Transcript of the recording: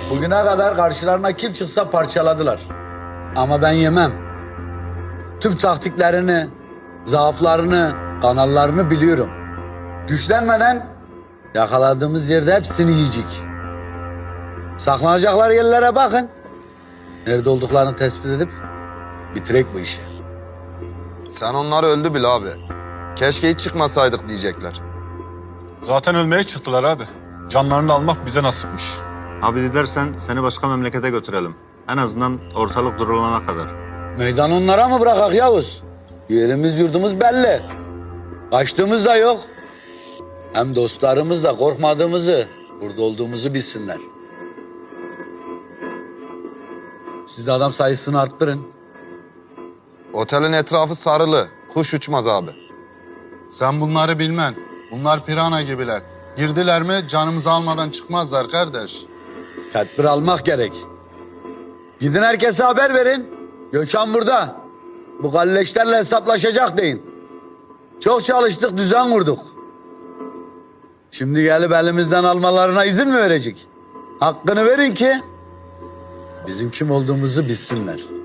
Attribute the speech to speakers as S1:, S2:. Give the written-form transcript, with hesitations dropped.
S1: Bugüne kadar karşılarına kim çıksa parçaladılar. Ama ben yemem. Tüm taktiklerini, zaaflarını, kanallarını biliyorum. Güçlenmeden yakaladığımız yerde hepsini yiyecek. Saklanacaklar yerlere bakın. Nerede olduklarını tespit edip bitirek bu işi.
S2: Sen onları öldü bil abi. Keşke hiç çıkmasaydık diyecekler.
S3: Zaten ölmeye çıktılar abi. Canlarını almak bize nasipmiş.
S4: Abi dilersen seni başka memlekete götürelim. En azından ortalık durulana kadar.
S1: Meydan onlara mı bırakak Yavuz? Yerimiz yurdumuz belli. Kaçtığımız da yok. Hem dostlarımız da korkmadığımızı, burada olduğumuzu bilsinler. Siz de adam sayısını arttırın.
S2: Otelin etrafı sarılı. Kuş uçmaz abi.
S5: Sen bunları bilmen. Bunlar pirana gibiler. Girdiler mi canımızı almadan çıkmazlar kardeş.
S1: Tedbir almak gerek. Gidin herkese haber verin. Gökhan burada. Bu kalleşlerle hesaplaşacak deyin. Çok çalıştık, düzen kurduk. Şimdi gelip elimizden almalarına izin mi verecek? Hakkını verin ki bizim kim olduğumuzu bilsinler.